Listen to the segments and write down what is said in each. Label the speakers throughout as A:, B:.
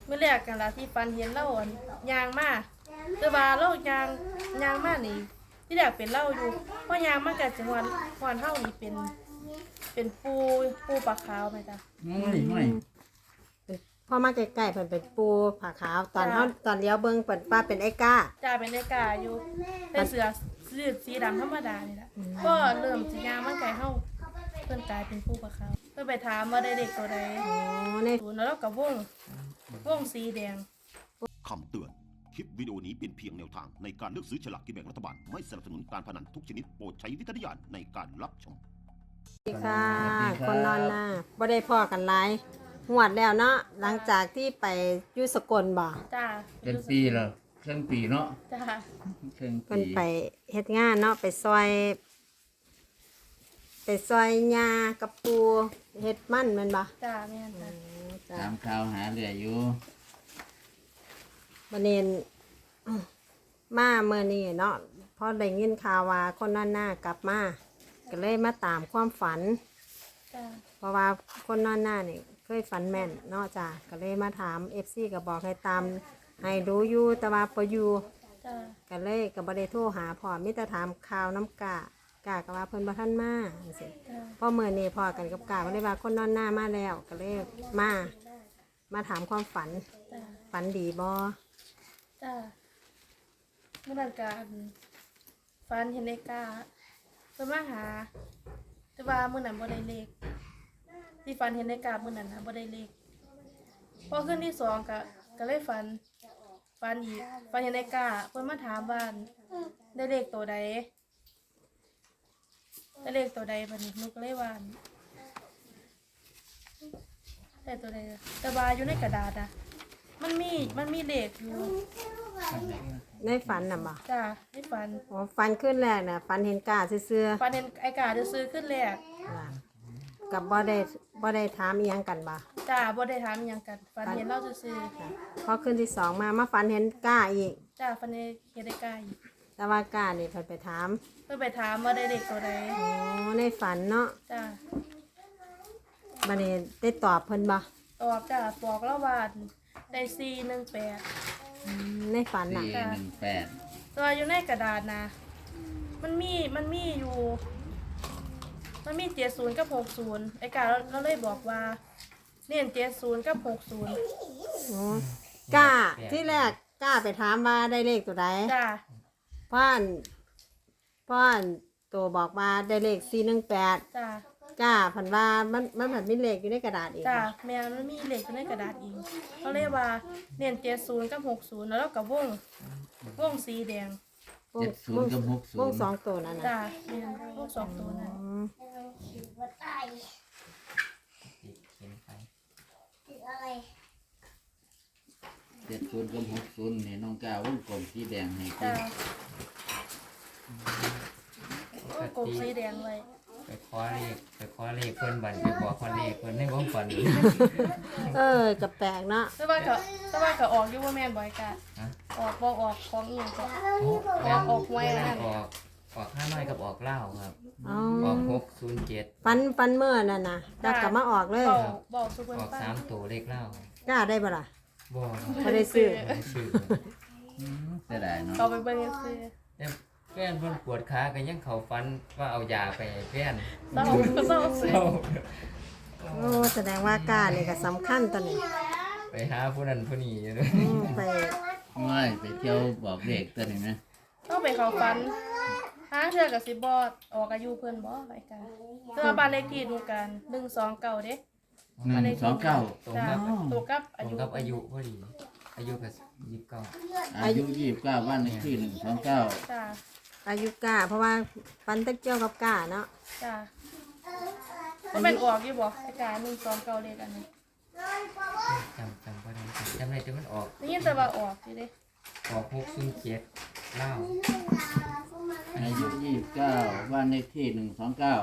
A: มื่อแรกกันละที่ฟันเห็นเล่าอ่อนยางมาแต่ว่าเล่ายางมานี่ที่แรกเป็นเล่าอยู่เพราะยางมากับจังหวัดเฮานี่เป็นปูปลาขาวไหมจ๊ะ
B: ไม่
C: พอมาใกล้ๆเพิ่นเป็นปูผาขาวตอนเลี้ยวเบิ่งเปิดป้าเป็นไอ้ก้า
A: จ่าเป็นไอ้กาอยู่แต่เสือสีดำธรรมดานี่แหละก็เริ่มสิยางมาไก่เฮาเพิ่นกลายเป็นปูปลาขาวเพิ่นไปถามว่าได้เด็กตัวใด
C: อ๋อใน
A: ศูนย์แล้วกับวงสีแดง
D: คำเตือน คลิปวิดีโอนี้เป็นเพียงแนวทางในการเลือกซื้อฉลากกินแบ่งรัฐบาล ไม่สนับสนุนการพนันทุกชนิดโปรดใช้วิจารณญาณในการรับชม
C: สวัสดีค่ะคนนอนหน้าบ่ได้พ่อกันหลายหวดแล้วเนาะหลังจากที่ไปอยู่สกลบ่
A: จ้า
B: เป็นปีแล้วเครื่องปีเนาะ
A: จ้า
B: เครื่อง
C: เพิ่
B: ปี
C: นไปเฮ็ดงานเนาะไปซอยหญ้ากับปูเฮ็ดมันแม่นบ่
A: จ้าแม่นจ้า
C: จ้ะ
B: ตามข่าวหาเรืออยู่
C: บัดนี้มาเมื่อนี้เนาะพอได้ยินข่าวว่าคนนอนหน้ากลับมาก็เลยมาตามความฝัน
A: จ้า
C: เพราะว่าคนนอนหน้านี่เคยฝันแม่นเนาะจ้ะก็เลยมาถาม FC ก็บอกให้ตามให้รู้อยู่แต่ว่าบ่อยู่
A: จ้า
C: ก็เลยก็บ่ได้โทรหาพ่อมีแต่ถามข่าวน้ำกะก็ว่าเพิ่นบ่ทันมาจังซี่
A: จ้า
C: พอมื้อนี้พ่อกันกับกาก็เลยว่าคนนอนหน้ามาแล้วก็เลยมาถามความฝัน
A: จ้า
C: ฝันดีบ่
A: จ้าเมื่อนั้นการฟันเห็นไอ้กาเพิ่นมาหาแต่ว่ามื้อนั้นบ่ได้เลขที่ฟันเห็นไอ้กามื้อนั้นนะบ่ได้เลขพอขึ้นที่สองก็เลยฝันอีกฝันเห็นไอ้กาเพิ่นมาถามว่าได้เลขตัวใดได้เลขตัวใดบัดนี้หนูก็เลยว่าได้ตัวใดแต่ว่าอยู่ในกระดาษอ่ะมันมีเลขอยู่
C: ในฝันน่ะบ่
A: จ้าให้ฝัน
C: อ๋อฝันขึ้นแรกน่ะฝันเห็นกาซื่อ
A: ฝันเห็นไอ้กาจะซื้อขึ้นแรก
C: ๆจ้ะกับบ่ได้ถามอีหยังกันบ่
A: จ้าบ่ได้ถามอิหยังกันฝันเห็นเราซื้อ
C: จ้ะพอขึ้นที่สองมาฝันเห็นกาอีก
A: จ้าฝันเห็นไอ้กาอีก
C: แต่ว่ากานี่เพิ่นไปถาม
A: เพื่อไปถามว่าได้เด็กตัวใด
C: อ๋อในฝันเนาะ
A: จ้า
C: บัดนี้ได้ตอบเพิ่นบ่
A: ตอบจ้าบอกแล้วว่าได้418
C: ในฝันน่ะ
B: 418
A: ตัวอยู่ในกระดาษนะมันมีอยู่มันมี70กับ60ไอ้กาเราเลยบอกว่าเน้น70กับ60
C: อ๋อกาที่แรกกาไปถามว่าได้เลขตัวใด
A: จ้า
C: พ่อนตัวบอกว่าได้เลข418
A: จ้า
C: ก้าผันว่ามันผันมีเลขอยู่ในกระดาษอีก
A: จ้าแม่มันมีเหล็กอยู่ในกระดาษอีกเขาเรียกว่าเน้น70กับ60แล้วก็วงสีแดง
B: 70กับ60
C: วงสองตัวนั่น
A: จ้า
C: นะ
A: แม่นวงสองตัวนั้น
C: อืม
B: 70กับ60นี่น้องก้าวงกลมสีแดงให้กิ
A: จ้าน วงกลมสีแดงไว้
E: ไปขอเลขเพิ่นบันไปบอกคนเลขเพิ่นในวงฝัน
C: กับแปลกเนาะ
A: แต่ว่าก็ออกอยู่ว่าแม่นบ่อยกะ
E: ฮะ
A: ออกบ่ออกของอีหยังก็ ออกไว้นั่น
E: ออก5น้อยกับออกเหล้าครับ
C: อ๋อ
E: ออก607
C: ฟันเมื่อนั่นนะแล้วกลับมาออกเลย
A: บอกสุเพิ่น
E: ออก
A: ฟัง
E: 3ตัวเลขเหล้าก
C: ล้าได้ปะล่ะ
E: บ่
C: ไม่ได้ซื้อ
E: บ่ได้ชื่อ
B: เสียดายเนาะ
A: เอาไปเบิ่งซื้อ
E: แต่แฟนเพิ่นปวดขาก็ยังเข้าฝันว่าเอายาไปให้แฟน
A: เศร้าซื้อ
C: โอ้แสดงว่ากล้านี่ก็สำคัญตอนนี้
E: ไปหาผู้นั้นผู้นี้อยู่เลย
C: ไป
B: ไม่ไปเที่ยวบอกเด็กตัวนี้นะ
A: ต้องไปเข้าฝันหาเทื่อก็สิบ่ออกอายุเพิ่นบ่ไอ้กันแต่ว่าบ้านเลขที่ดูกัน129เด้
B: 129
E: ตรง
A: จ้า
E: กับ
A: ตัวกับ
E: ตร
A: อาง ยุ
E: กับอายุพอดี อายุก็29
B: อายุ29บ้านเลขที่129
A: จ้า
C: อายุกล้า เพราะว่าฟันตะเกียวกับกล้าเนาะ
A: จ้ามันเป็นออกอยู่บ่ไอ้การ129เลขอันนี้
E: จำบ่ได้จำได้แต่มันออก
A: ได้ยินแต่ว่าออกอยู่เด้
E: ออก607เหล้า
B: อายุ29บ้านเลขที่129
A: จ้า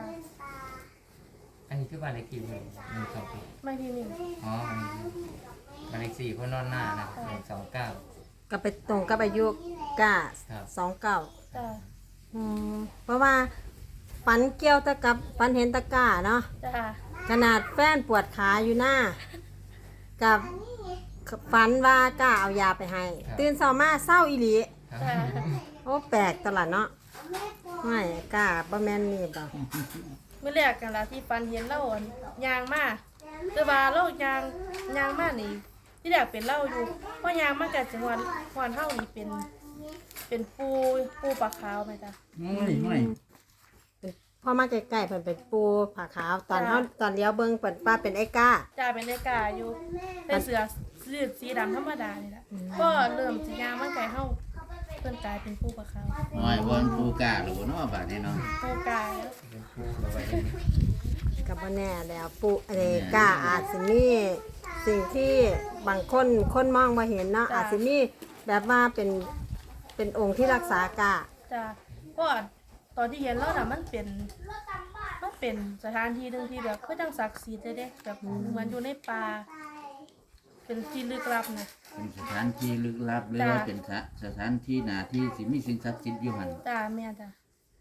E: อันนี้คือบ้านเลขที่128
A: ไม่ที่หนึ่ง
E: อ๋อบ้านเลขที่คนนอนหน้านะ129
C: ก็ไปตรงกับอายุกล้า
E: ครับ
C: 29
A: จ้า
C: เพราะว่าฟันเกี่ยวตะกับฟันเห็นตะกร้าเนาะ
A: จ้า
C: ขนาดแฟนปวดขาอยู่หน้า กับฝันว่ากล้าเอายาไปให้ ตื่นเช้ามาเศร้าอีหลี
E: ครับ
A: จ้า
C: โอ้แปลกตลอดเนาะไม่กล้าบ่แม่นนี่บ่
A: เมื่อแรกกันละที่ฟันเห็นเล่าอั่นยางมาแต่ว่าเล่ายางมานี่ที่แรกเป็นเล่าอยู่เพราะยางมากับจังหวัดหวานเฮานี่เป็นปูปลาขาวไหมจ้ะ
B: ไม่
C: พอมาใกล้ๆเพิ่นเป็นปูผาขาวตอนเฮาตอนเลี้ยวเบิ่งเพิ่นป้าเป็นไอ้ก้า
A: จ้าเป็นเนกาอยู่ในเสือสีดำธรรมดานี่แหละก็เริ่มสียางมาไก่เฮาเพิ่นกลายเป็นปูปลาขาว
B: หอยวนปูกาหรือว่าน้อบาดนี่เนาะ
A: ปูกายแล้ว
E: เป็นผู้ระไว้นี่
C: ก็บ่แน่แล้วปูก้าอาจสิมีสิ่งที่บางคนมองบ่เห็นเนาะอาจสิมีแบบว่าเป็นองค์ที่รักษากา
A: จ้าเพราะว่าตอนที่เห็นแล้วน่ะมันเป็นสถานที่หนึงที่แบบคือจังศักดิ์สิทธิ์เลยเด้แบบเหมือนอยู่ในป่าเป็นที่ลึกลับนะ
B: เป็นสถานที่ลึกลับหรือว่าเป็นสถานที่หนาที่สิมีสิ่งศักดิ์สิทธิ์อยู่หัน
A: จ้าแม่จ้า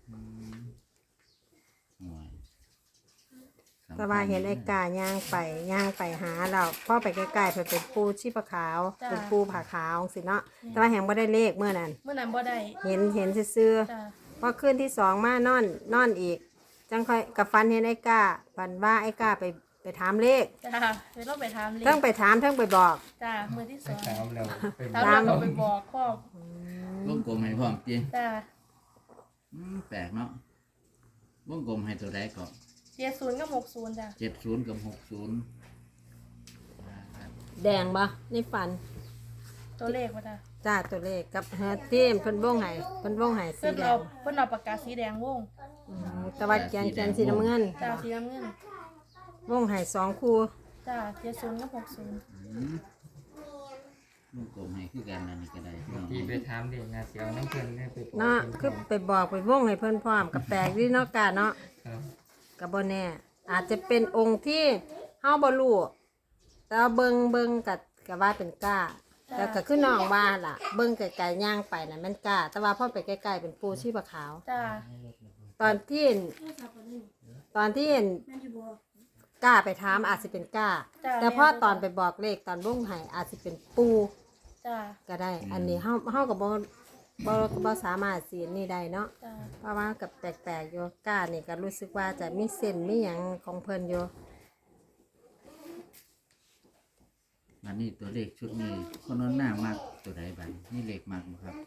B: หอยสำคัญ
C: แต่ว่าเห็นไอ้กาย่างไปหาเราพ่อไปใกล้ๆเพิ่นเป็นปูชีพขาวเป็นปูผาขาวสิเนาะแต่ว่าแหงบ่ได้เลขเมื่อนั้น
A: เมื่อนั้นบ่ได้
C: เห็นซื่อ
A: จ้า
C: ๆพอคืนที่สองมานอนอีก จังค่อยกับฟันเห็นไอ้กาฟันว่าไอ้กาไปถามเลข
A: จ้าเดี๋ยวเราไปถามเลย
C: เทั้งไปถามเทั้งไปบอก
A: จ้ามือที่ส
E: ไป
A: อง
E: ถามแล้วเป็น
A: ถามเราไปบอกพ่อ
B: วงกลมให้พร้อมจริง
A: จ้า
B: แปลกเนาะวงกลมให้ตัวใดก่อน
A: 70กับ60จ้า
B: 70กับ60
C: แดงบ่ในฟัน
A: ตัวเลขว่าจ้า
C: จ้าตัวเลขกับเฮอทีมเพิ่นวงให้สี
A: เพิ่น
C: แด
A: เอา
C: ง
A: เพิ่นเอาปากกาสีแดงวง
C: แต่ว่าแกนสีน้ำเงิน
A: จ้าสีน้ำเงิน
C: วงให้2คู่
A: จ้า70กับ60
B: วงกลมให้คือกันนั่นนี่ก็ได้พี่น้อง
E: ที่ไปถามเด็กงานเสียวน้ำเพิ่นเนี่ยไปบอก
C: เนาะคือไปบอกไปวงให้เพิ่นพร้อมกับแปลกดีเนาะกาเนาะ
E: ครับ
C: ก็บ่แน่อาจจะเป็นองค์ที่เฮาบ่รู้แต่ว่าเบิ่งก็ว่าเป็นก้าแต่ก็คือน้องว่าล่ะ เบิ่งไกลๆย่างไปน่ะมันก้า แต่ว่าพอไปใกล้ๆเป็นปูชีพขาว
A: จ้า
C: ตอนที่เห็นก้าไปถามอาจสิเป็นก้า แต่พอตอนไปบอกเลขตอนวงไห้อาจสิเป็นปู
A: จ้า
C: ก็ได้ อันนี้เฮาก็บ่สามารถสินี่ได้เนาะ
A: จ้า
C: เพราะว่ากับแปลกๆอยู่ก้านี่ก็รู้สึกว่าจะมีเส้นมีหยังของเพิ่นอยู่
B: อันนี้ตัวเลขชุดนี้คนนั้นหน้ามากตัวใดบัดนี่เลขมากบ่ครับ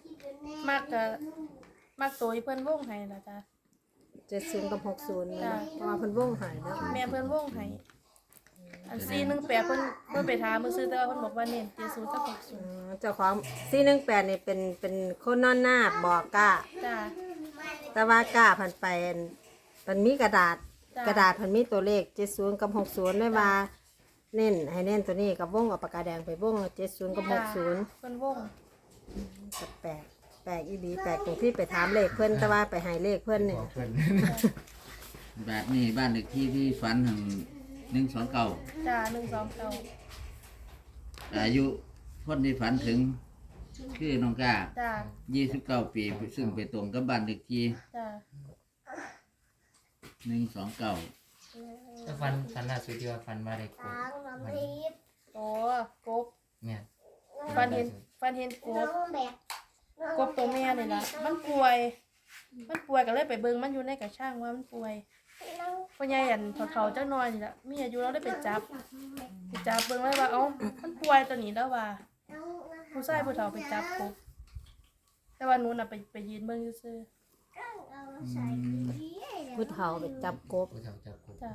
A: มากตัวที่เพิ่นวงให้ล่ะจ้า
C: 70กับ60นี่
A: จ้ะ
C: เพราะว่าเพิ่นวงใหายเนาะ
A: แม่เพิ่นวงให้อัน418เพิ่นไปถามมื้อซื้อแต่ว่าเพิ่นบอกว่าเน้น70กับ60
C: เจ้าของ418นี่เป็นคนนอนหน้าบอกก้า
A: จ้า
C: แต่ว่าก้าพันไปมันมีกระดาษ
A: จ้ะ
C: กระดาษพันมีตัวเลข70กับ60เลยว่าเน้นให้เน้นตัวนี้กับวงเอาปากกาแดงไปวง70กับ60
A: เพิ่นวง
C: ก็แปลกอีหลีแปลกตรงที่ไปถามเลขเพิ่นแต่ว่าไปให้เลขเพิ่น
E: บ
C: นี่
E: อกเพิ่น
B: แบบนี้บ้านเลขที่ที่ฝันถึง129
A: จ้า129
B: อายุคนที่ฝันถึงคือน้องก้า
A: จ้า
B: 29 ปีซึ่งไปตรงกับบ้านเลขที่
A: จ้า
B: 129
E: ถ้าฟันล่าสุดที่ว่าฟันมาได้กดมัน
A: โอ้กบ
E: เนี่ย
A: ฟันเห็นกบตัวแม่นี่ล่ะมันป่วยก็เลยไปเบิ่งมันอยู่ในกระช่างว่ามันป่วยพ่อใหญ่อันเฒ่าๆจักหน่อยนี่ล่ะมีอายุเราได้ไปจับเบิ่งแล้วว่าเอ้ามันป่วยตัวนี้แล้วว่าผู้ชายผู้เฒ่าไปจับกบแต่ว่าหนูน่ะไปยืนเบิ่งซื่อ
C: ผู้เฒ่าไปจับกบ
E: ผู้เฒ่าจับกด
A: ๆจ้าก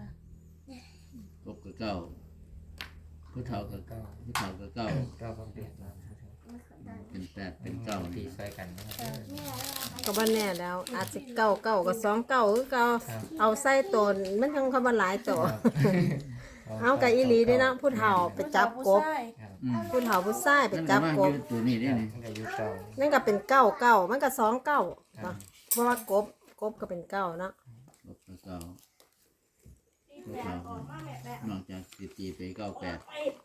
B: บกับเก้าผู้เฒ่ากับเก้าผู้เฒ่ากับเก้า
E: ก็ต้องเปลี่ยนมา
B: เป็นแปดเป็นเก้า
E: ตี
B: นี่
E: ซอยกันนะครับ
C: ก็บ่แน่แล้วอาจสิเก้ากับ29คือเก่าเอาใส่ตนมันจังคำว่าหลายตัว เอากับอีหลีเด้เนาะผู้เฒ่าไปจับกบ
A: ผู้ชาย
E: ครับ
C: ผู้เฒ่าผู้ชายไป
B: นั่น
C: จับ
B: ว่าก
C: บ
B: อยู่ตัวนี้ได้นี่
E: มันก็อายุเก่า
C: นั่นก็เป็น9มันก็29เนาะเพราะว่ากบก็เป็น9เนาะ
B: กบกับเก้าผู้เฒ่านอกจากสิตีไป98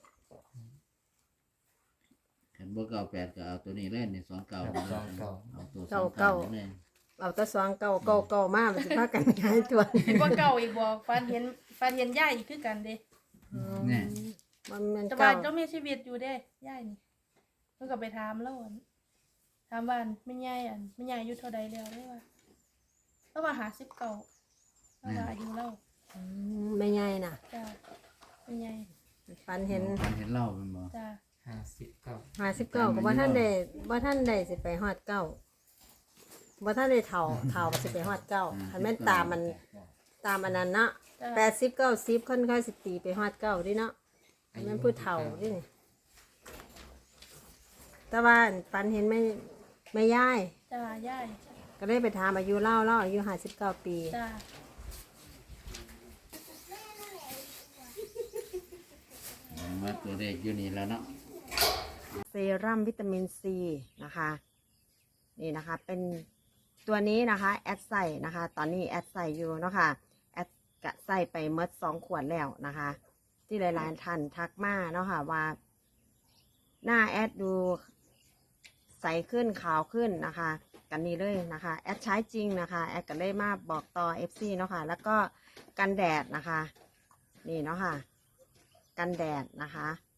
B: ขันบ่98ก็เอาตัวนี้เล่นนี่29เอาตัว29เลย
C: เอาแต่29มามันสิพากันย้ายตัว
A: เห็นว่าเก่าอีกบ่ฟันเห็นย่ายอีกคือกันเด้
B: เนี่ย
C: มัน
A: แต่ว่า
C: เก้า
A: เจ้ามีชีวิตอยู่เด้ย่ายนี่เพิ่นก็ไปถามแล้วอั่นถามว่าอั่นแม่ยายแม่ยายอายุเท่าใดแล้วได้ว่าแล้วว่า59แล้วว่าอายุเรา
C: ไม่ใหญ่น่ะ
A: จ้าแม่ยาย
C: ฝันเห็น
B: ฝันเห็นเล่าเป็นบ่
A: จ้า
E: 59
C: 59ก็บ่ท่านได้สิไปฮอดเก้าบ่ท่านได้เฒ่าสิไปฮอดเก้าคันแม่นตามมันอันนั้นเนาะ
A: จ้า
C: 80 90ค่อยๆสิตีไปฮอดเก้าดิเนาะคันแม่นผู้เฒ่าดินี่แต่ว่าฝันเห็นไม่ย่าย
A: จ้าย่าย
C: ก็เลยไปถามอายุเล่าอายุ59 ปี
A: จ้า
B: ว่าตัวเลขอยู่นี่แล้วเนาะ
C: เซรั่มวิตามินซีนะคะนี่นะคะเป็นตัวนี้นะคะแอดใส่นะคะตอนนี้แอดใส่อยู่เนาะค่ะแอดกะใส่ไปเมื่อ2 ขวดแล้วนะคะ ที่หลายๆท่านทักมาเนาะค่ะว่าหน้าแอดดูใสขึ้นขาวขึ้นนะคะกันนี้เลยนะคะแอดใช้จริงนะคะแอดก็เลยมาบอกต่อ FC เนาะค่ะแล้วก็กันแดดนะคะนี่เนาะค่ะกันแดดนะคะ